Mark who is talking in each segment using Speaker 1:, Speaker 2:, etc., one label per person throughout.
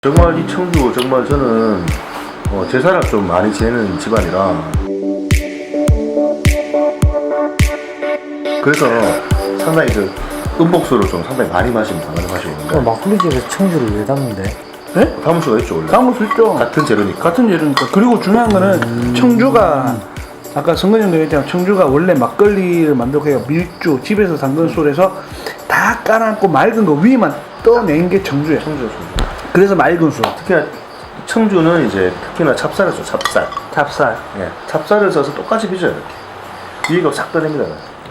Speaker 1: 정말 이 청주 정말 저는 제사를 좀 많이 지내는 집안이라 그래서 상당히 그 음복수를 좀 상당히 많이 마시는 있는데
Speaker 2: 막걸리집에서 청주를 왜 담는데?
Speaker 3: 네?
Speaker 1: 담을 수가 있죠 원래.
Speaker 3: 담을 수 있죠.
Speaker 1: 같은 재료니까.
Speaker 3: 같은 재료니까. 그리고 중요한 거는 청주가 아까 성근이 형도 얘기했잖아. 청주가 원래 막걸리를 만들고 해요. 밀주 집에서 담근 술에서 다 깔아놓고 맑은 거 위에만 떠낸 게 청주예요.
Speaker 1: 청주.
Speaker 3: 그래서 맑은 술.
Speaker 1: 특히나 청주는 이제 특히나 찹쌀을 써.
Speaker 3: 찹쌀.
Speaker 1: 예, 찹쌀을 써서 똑같이 빚어요 이렇게. 위가 싹 떠냅니다.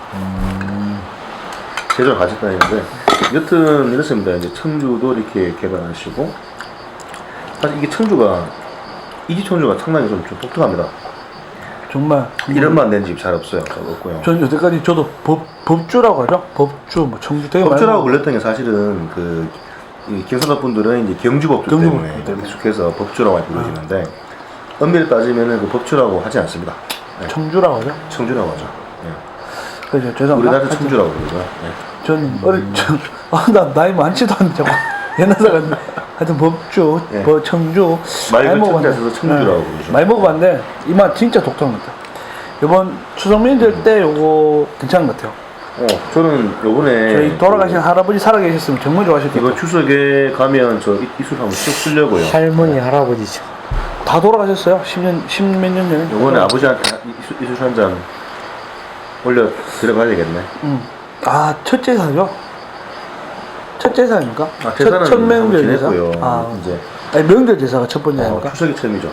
Speaker 1: 제조를 같이 떠내는데 여튼 이렇습니다. 이제 청주도 이렇게 개발하시고 사실 이게 청주가 이집 청주가 상당히 좀 독특합니다.
Speaker 3: 정말
Speaker 1: 이런 맛 낸 집 잘 없어요. 없고요.
Speaker 3: 전 여태까지 저도 법주라고 하죠. 법주 뭐 청주 되게
Speaker 1: 법주라고 불렸던 게 사실은 이 경상도 분들은 이제 경주법주 때문에 익숙해서 법주라고 불러지는데 엄밀히 따지면은 그 법주라고 하지 않습니다. 네.
Speaker 3: 청주라고 하죠.
Speaker 1: 청주라고 하죠. 네.
Speaker 3: 그죠. 죄송합니다.
Speaker 1: 우리나라 청주라고 부르고요. 네.
Speaker 3: 저는 나 나이 많지도 않은데 옛날 사람 하여튼 법주,
Speaker 1: 예.
Speaker 3: 청주
Speaker 1: 맑은 청주에서 청주라고 부르죠.
Speaker 3: 많이 먹어봤는데 이 맛 진짜 독특한 것 같아요. 이번 추석 명절 때 요거 괜찮은 것 같아요.
Speaker 1: 저는 요번에
Speaker 3: 저희 돌아가신 할아버지 살아계셨으면 정말 좋아하실 것
Speaker 1: 이번
Speaker 3: 같아요.
Speaker 1: 추석에 가면 저 이술 한번 쭉 쓰려고요.
Speaker 2: 할머니 할아버지죠.
Speaker 3: 다 돌아가셨어요. 10몇 년 전에.
Speaker 1: 요번에 아버지한테 이술 한 잔 올려 들어가야 되겠네.
Speaker 3: 아, 첫 제사죠? 첫 제사입니까?
Speaker 1: 제사는
Speaker 3: 첫 명절 제사.
Speaker 1: 지냈고요. 이제
Speaker 3: 아니, 명절 제사가 첫 번째 아닙니까?
Speaker 1: 추석이 처음이죠.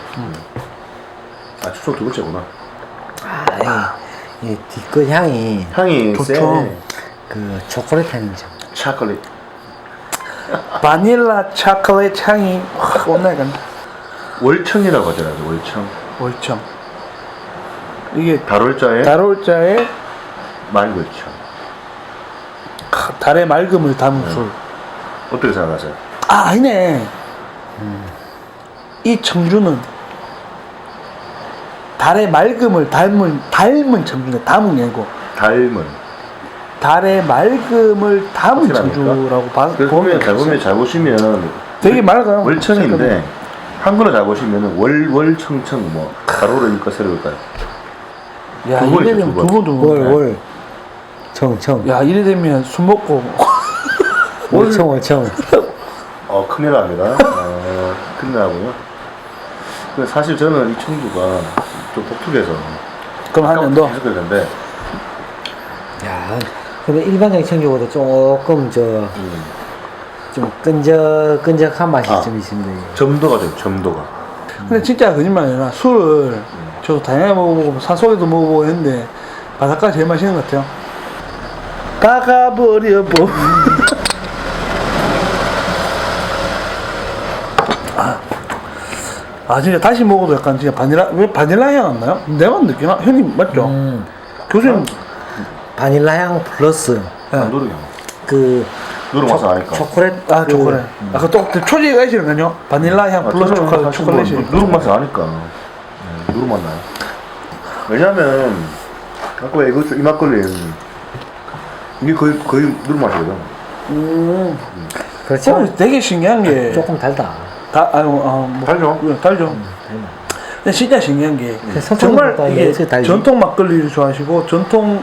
Speaker 1: 추석 두 번째구나.
Speaker 2: 이 뒤끝 향이
Speaker 1: 향이
Speaker 3: 좋죠.
Speaker 1: 세.
Speaker 2: 그 초콜릿 향이죠.
Speaker 1: 초콜릿.
Speaker 3: 바닐라 초콜릿 향이 확 온나니까.
Speaker 1: 월청이라고 하더라고요. 월청.
Speaker 3: 월청. 이게
Speaker 1: 달월자에
Speaker 3: 달월자에
Speaker 1: 말월청.
Speaker 3: 달의 맑음을 담은 술.
Speaker 1: 어떻게 생각하세요?
Speaker 3: 아, 아니네. 이 청주는 달의 맑음을 닮은 청주네. 담은 게 아니고
Speaker 1: 닮은.
Speaker 3: 달의 맑음을 담은
Speaker 1: 확실합니까?
Speaker 3: 청주라고
Speaker 1: 그래서 보면 잘 보시면
Speaker 3: 되게 맑아요.
Speaker 1: 월청인데 한글로 잘 보시면은 월청청 뭐 가로로니까 세로일까요?
Speaker 3: 야,
Speaker 1: 두 번이죠,
Speaker 3: 이래 되면
Speaker 1: 두 번.
Speaker 3: 두번
Speaker 2: 월 청청.
Speaker 3: 야, 이래 되면 술 먹고
Speaker 2: 월청.
Speaker 1: 큰일 납니다. 큰일 나고요. 근데 사실 저는 이 청주가 좀 독특해서
Speaker 3: 그럼 한 년 더.
Speaker 1: 계속 그랬는데
Speaker 2: 야, 근데 일반적인 청주보다 조금 좀 끈적한 맛이 좀 있습니다. 이게.
Speaker 1: 점도가 좀 점도가.
Speaker 3: 근데 진짜 거짓말 아니라 술을 저도 다양하게 먹어보고 산속에도 먹어보고 했는데 바닷가 제일 맛있는 것 같아요. 가가버려보. 아, 진짜 다시 먹어도 약간 진짜 왜 바닐라 향 안 나요? 내만 느끼나? 형님 맞죠? 교수님
Speaker 2: 바닐라 향 플러스
Speaker 1: 안 누르게.
Speaker 2: 그
Speaker 1: 누르 맛을 아니까.
Speaker 2: 초콜릿.
Speaker 3: 초콜릿. 아까 또 초지가 있으니까요. 바닐라 향 플러스 초콜릿이.
Speaker 1: 누룩 맛을 아니까. 누룩 맛 나요. 왜냐면 아까 이 막걸리는 이게 거의 누룩 맛이거든.
Speaker 2: 그렇죠.
Speaker 3: 되게 신기한 게
Speaker 2: 조금 달다.
Speaker 1: 달죠?
Speaker 3: 달죠. 근데 진짜 신기한 게
Speaker 2: 정말
Speaker 3: 정말 이게 전통 막걸리를 좋아하시고 전통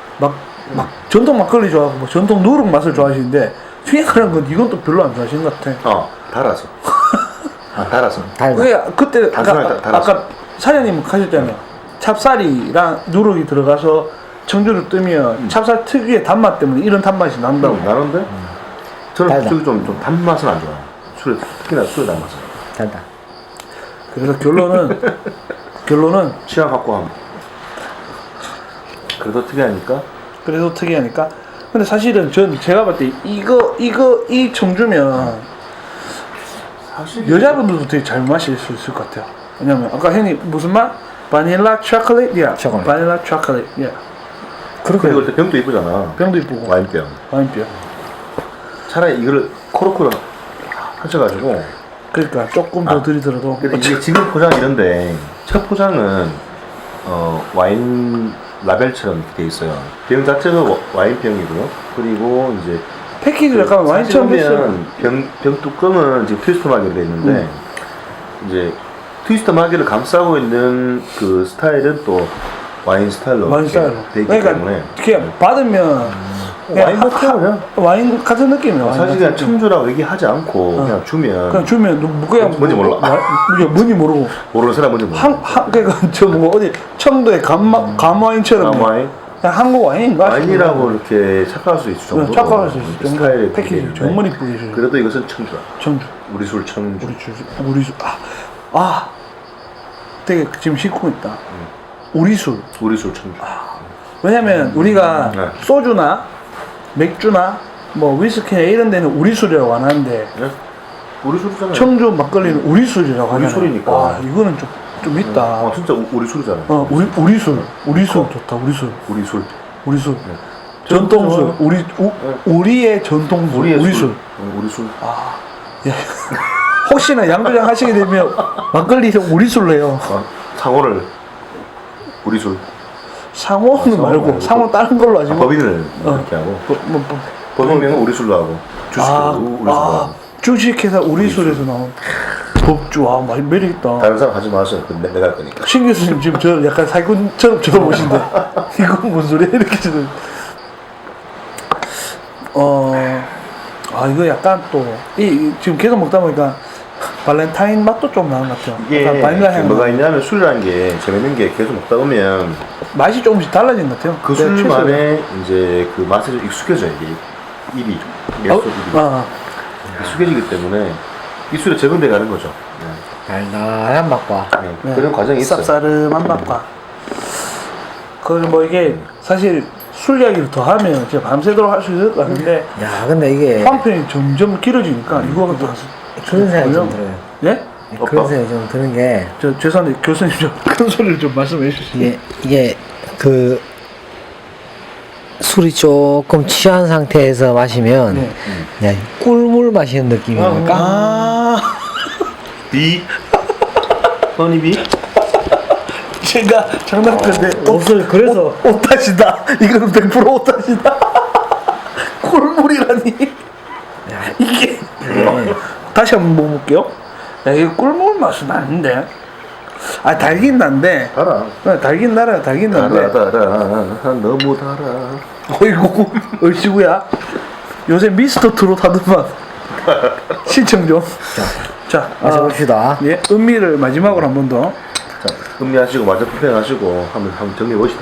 Speaker 3: 막걸리 좋아하고 뭐 전통 누룩 맛을 좋아하시는데 특이한 건 이건 또 별로 안 좋아하시는 것 같아.
Speaker 1: 달아서. 달아서.
Speaker 3: 그게 그때
Speaker 1: 달아서.
Speaker 3: 아까 사장님 하셨잖아요. 찹쌀이랑 누룩이 들어가서 청주를 뜨면 찹쌀 특유의 단맛 때문에 이런 단맛이 난다고.
Speaker 1: 나는데 저는 솔직히 좀 단맛은 안 좋아요. 특히나 술의 단맛은.
Speaker 2: 달다.
Speaker 3: 그래서 결론은
Speaker 1: 취향 갖고 하면 그래도 특이하니까.
Speaker 3: 그래서 특이하니까. 근데 사실은 제가 봤을 때 이 청주면
Speaker 1: 사실
Speaker 3: 여자분들도 되게 잘 마실 수 있을 것 같아요. 왜냐면 아까 형님 무슨 맛? 바닐라 초콜릿? 야.
Speaker 2: 초콜릿.
Speaker 3: 바닐라 초콜릿. 야.
Speaker 1: 그리고 일단 병도 이쁘잖아.
Speaker 3: 병도 이쁘고.
Speaker 1: 와인병. 차라리 이거를 코르크로 하셔가지고.
Speaker 3: 그러니까 조금 더 들이들어도.
Speaker 1: 근데 이게 지금 포장 이런데 첫 포장은 와인 라벨처럼 이렇게 돼 있어요. 병 자체가 와인병이고요. 그리고 이제
Speaker 3: 패키지 약간 와인처럼 됐어요.
Speaker 1: 보면 병 뚜껑은 지금 트위스터 마개로 돼 있는데 이제 트위스터 마개를 감싸고 있는 그 스타일은 또 와인 스타일로
Speaker 3: 와인 스타일로.
Speaker 1: 돼 있기
Speaker 3: 그러니까
Speaker 1: 때문에
Speaker 3: 그냥 받으면
Speaker 1: 와인 같아요 그냥.
Speaker 3: 와인 같은 느낌이에요. 와인
Speaker 1: 사실
Speaker 3: 같은
Speaker 1: 그냥
Speaker 3: 느낌.
Speaker 1: 청주라고 얘기하지 않고 그냥 주면
Speaker 3: 그냥 주면 뭐 그냥
Speaker 1: 뭔지 몰라.
Speaker 3: 뭔지 모르고
Speaker 1: 모르는 사람 뭔지 몰라.
Speaker 3: 그러니까 저 뭐 어디 청도의 감와인처럼
Speaker 1: 감와인?
Speaker 3: 그냥 한국 와인인가?
Speaker 1: 와인이라고 이렇게 착각할 수 있을 정도로
Speaker 3: 착각할 수 있을 정도
Speaker 1: 스타일의
Speaker 3: 패키지
Speaker 1: 그게
Speaker 3: 정말
Speaker 1: 있는데
Speaker 3: 이쁘게 주셔요.
Speaker 1: 그래도 이것은 청주야.
Speaker 3: 청주
Speaker 1: 우리 술 청주.
Speaker 3: 우리 술 되게 지금 싣고 있다. 우리 술.
Speaker 1: 우리 술 청주.
Speaker 3: 왜냐면 우리가
Speaker 1: 네.
Speaker 3: 소주나 맥주나 뭐 위스키나 이런 데는 우리 술이라고 안 하는데
Speaker 1: 네? 우리 술이잖아요.
Speaker 3: 청주 막걸리는 우리 술이라고
Speaker 1: 우리
Speaker 3: 하잖아요.
Speaker 1: 술이니까.
Speaker 3: 와, 이거는 좀 있다.
Speaker 1: 진짜 우리 술이잖아요.
Speaker 3: 우리 술 좋다. 우리 술.
Speaker 1: 우리 술.
Speaker 3: 전통 술.
Speaker 1: 전통
Speaker 3: 우리의 전통 술.
Speaker 1: 우리의
Speaker 3: 우리
Speaker 1: 술.
Speaker 3: 술.
Speaker 1: 우리 술.
Speaker 3: 예. 혹시나 양조장 하시게 되면 막걸리 우리 술로 해요.
Speaker 1: 상호를 우리 술.
Speaker 3: 상호는 말고 상호 다른 걸로 하지.
Speaker 1: 법인을 이렇게 하고 법인명은 우리 술로 하고 주식회사 우리 술로 하고
Speaker 3: 주식회사 우리 술에서 나온 법주. 많이 매력있다.
Speaker 1: 다른 사람 하지 마세요. 내가 할 거니까.
Speaker 3: 신 교수님 지금 저 약간 사기꾼처럼 쳐다보신데 이건 뭔 소리야 이렇게 지금. 이거 약간 또 지금 계속 먹다 보니까 발렌타인 맛도 좀 나는 것 같아요.
Speaker 1: 이게
Speaker 3: 약간 바닐라 향.
Speaker 1: 뭐가 있냐면 술이라는 게 재밌는 게 계속 먹다 보면
Speaker 3: 맛이 조금씩 달라진 것 같아요.
Speaker 1: 그
Speaker 3: 내가
Speaker 1: 술만의 이제 그 맛에 좀 익숙해져요. 이게 입이 맥주 입이 익숙해지기 때문에 이 술에 적응돼 가는 거죠.
Speaker 2: 달달한 맛과
Speaker 1: 네. 그런 과정이 있어요.
Speaker 3: 쌉싸름한 맛과. 그리고 뭐 이게 사실 술 이야기를 더 하면 진짜 밤새도록 할 수 있을 것 같은데
Speaker 2: 야 근데 이게
Speaker 3: 한편이 점점 길어지니까 이거가 또
Speaker 2: 그런 생각이 좀 들어요.
Speaker 3: 예?
Speaker 2: 그런 생각이 좀 드는 게
Speaker 3: 죄송한데 교수님 좀 큰 소리를 좀 말씀해 주시죠.
Speaker 2: 이게 그 술이 조금 취한 상태에서 마시면
Speaker 3: 네.
Speaker 2: 그냥 꿀물 마시는 느낌이랄까?
Speaker 1: 비 허니비
Speaker 3: 제가 장난건데
Speaker 2: 옷을 그래서
Speaker 3: 옷탓이다. 이거는 100% 옷탓이다. 꿀물이라니. 이게 다시 한번 먹어볼게요. 야, 이게 꿀물 맛은 아닌데. 달긴 난데.
Speaker 1: 달아.
Speaker 3: 달긴 달아. 달긴 난데.
Speaker 1: 달아 너무 달아.
Speaker 3: 어이구 얼씨구야. 요새 미스터 트롯 하더만. 신청 좀. 자,
Speaker 2: 마셔봅시다.
Speaker 3: 예, 음미를 마지막으로 한 번 더.
Speaker 1: 자, 음미하시고 마저 품행하시고 한번 정리해 봅시다.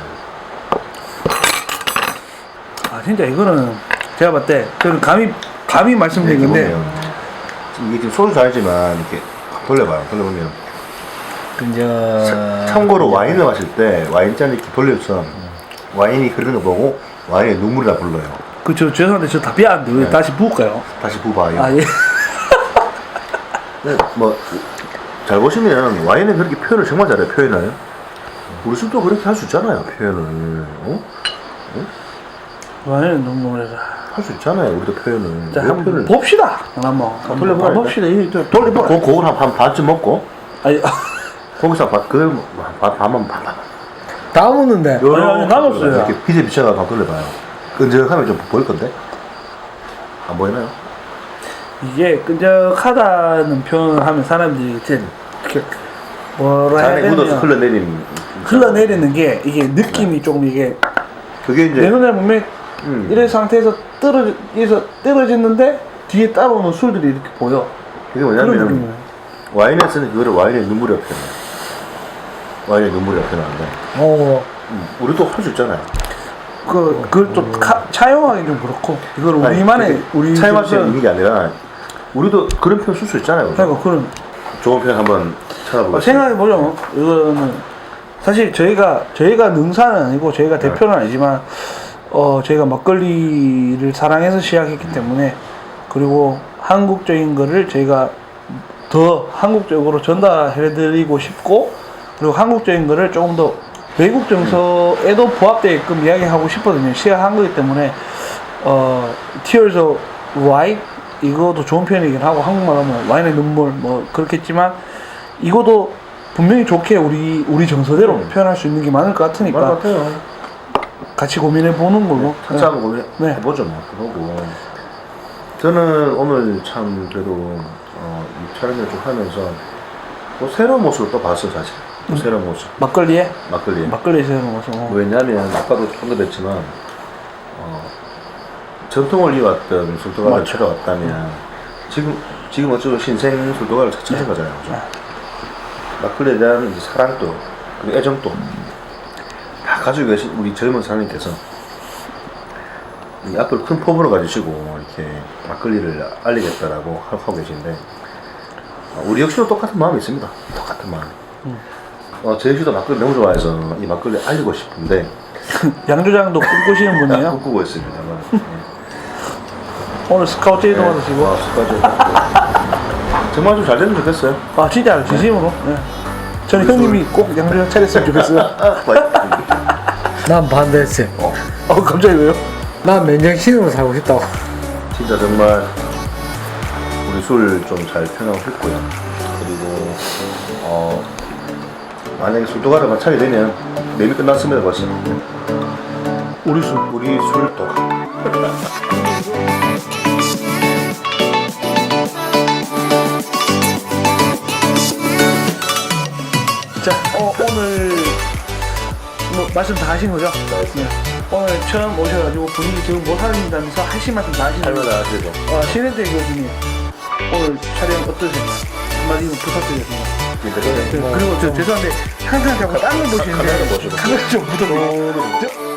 Speaker 3: 진짜 이거는 제가 봤을 때 저는 감히 말씀드린 건데
Speaker 1: 이게 지금 소주 잔이지만 이렇게 돌려봐요. 돌려보면 참고로 와인을 마실 때 와인잔을 이렇게 돌려서 와인이 흐르는 거 보고 와인의 눈물이 다 불러요.
Speaker 3: 저 죄송한데 저 다 비하는데 왜 다시 부을까요?
Speaker 1: 다시 부어봐요.
Speaker 3: 예.
Speaker 1: 네, 뭐 잘 보시면 와인은 그렇게 표현을 정말 잘해요. 표현을 우리 술도 그렇게 할 수 있잖아요. 표현을
Speaker 3: 와인은 눈물이라.
Speaker 1: 할 수 있잖아요. 우리도 표현을.
Speaker 3: 자,
Speaker 1: 왜
Speaker 3: 한번
Speaker 1: 표현을
Speaker 3: 봅시다. 한번
Speaker 1: 돌려봐요,
Speaker 3: 봅시다. 돌려봐.
Speaker 1: 그걸 한 반쯤 먹고
Speaker 3: 아니,
Speaker 1: 거기서 그걸 반만
Speaker 2: 다 먹는데
Speaker 3: 아니, 남았어요.
Speaker 1: 이렇게 빛에 비춰가 반 돌려봐요. 끈적하면 좀 보일 건데 안 보이나요?
Speaker 3: 이게 끈적하다는 표현을 하면 사람들이 이렇게 뭐라 해야
Speaker 1: 잔에 묻어서
Speaker 3: 되냐. 흘러내리는 게 이게 느낌이 조금 이게
Speaker 1: 그게 이제
Speaker 3: 내 눈에 보면 이런 상태에서 떨어졌는데 뒤에 따라오는 술들이 이렇게 보여.
Speaker 1: 이게
Speaker 3: 그런
Speaker 1: 뭐냐면
Speaker 3: 느낌이에요.
Speaker 1: 와인에서는 그거를 와인의 눈물이라고 표현해요. 와인의 눈물이라고 표현하는데 우리도 할 수 있잖아요.
Speaker 3: 그걸 좀 차용하기 좀 그렇고 이걸
Speaker 1: 아니,
Speaker 3: 우리만의 우리
Speaker 1: 차이 맛이 있는 게 아니라 우리도 그런 표현 쓸 수 있잖아요. 그죠?
Speaker 3: 그러니까 그런
Speaker 1: 좋은 표현 한번 찾아보겠습니다.
Speaker 3: 생각해보자면 이거는 사실 저희가 능사는 아니고 저희가 대표는 아니지만 저희가 막걸리를 사랑해서 시작했기 때문에 그리고 한국적인 거를 저희가 더 한국적으로 전달해드리고 싶고 그리고 한국적인 거를 조금 더 외국 정서에도 부합되게끔 이야기하고 싶거든요. 시작한 거기 때문에 Tears of Wine 이것도 좋은 표현이긴 하고 한국말 하면 와인의 눈물 뭐 그렇겠지만 이것도 분명히 좋게 우리 정서대로 표현할 수 있는 게 많을 것 같으니까
Speaker 1: 맞는 것 같아요.
Speaker 3: 같이 고민해 보는 걸로.
Speaker 1: 차차 한번
Speaker 3: 네.
Speaker 1: 해보죠 뭐. 그러고 저는 오늘 참 그래도 이 촬영을 좀 하면서 또 새로운 모습을 또 봤어요 사실. 또 새로운 모습.
Speaker 3: 막걸리에?
Speaker 1: 막걸리에.
Speaker 3: 막걸리에서 먹어서.
Speaker 1: 왜냐면 아까도 조금 더 뵀지만 전통을 이어왔던 술도가를
Speaker 3: 맞죠.
Speaker 1: 찾아왔다면 지금 어쩌면 신생 술도가를 찾은 거잖아요. 그죠? 막걸리에 대한 이제 사랑도 그리고 애정도 다 가지고 계신 우리 젊은 사장님께서 이 앞으로 큰 포부를 가지시고 이렇게 막걸리를 알리겠다라고 하고 계신데 우리 역시도 똑같은 마음이 있습니다. 똑같은 마음. 제 역시도 막걸리 너무 좋아해서 이 막걸리 알리고 싶은데
Speaker 3: 양조장도 꿈꾸시는 분이에요?
Speaker 1: 꿈꾸고 있습니다만
Speaker 3: 오늘 스카우트 제의도 받으시고.
Speaker 1: 정말 좀 잘 되면 좋겠어요.
Speaker 3: 아, 진짜 진심으로. 네. 저는 형님이 꼭 양조장 차렸으면 좋겠어요.
Speaker 2: 난 반대했어요.
Speaker 3: 갑자기 왜요?
Speaker 2: 난 맨정신으로 살고 싶다고.
Speaker 1: 진짜 정말 우리 술 좀 잘 편하고 싶고요. 그리고 만약에 술도가를 차게 되면 매미 끝났습니다 벌써. 우리 술도.
Speaker 3: 자, 오늘 뭐 말씀 다 하신 거죠? 네. 오늘 처음 오셔가지고 분위기 지금 못 살린다면서 하신 말씀 다 하신 거죠?
Speaker 1: 할말 하시죠.
Speaker 3: 신혜대 교수님 오늘 촬영 어떠세요? 한마디는 부탁드리겠습니다.
Speaker 1: 네.
Speaker 3: 그리고 저 죄송한데 항상 자꾸 딴거 보시는데
Speaker 1: 카메라 보시고.
Speaker 3: 카메라 좀 묻어보세요.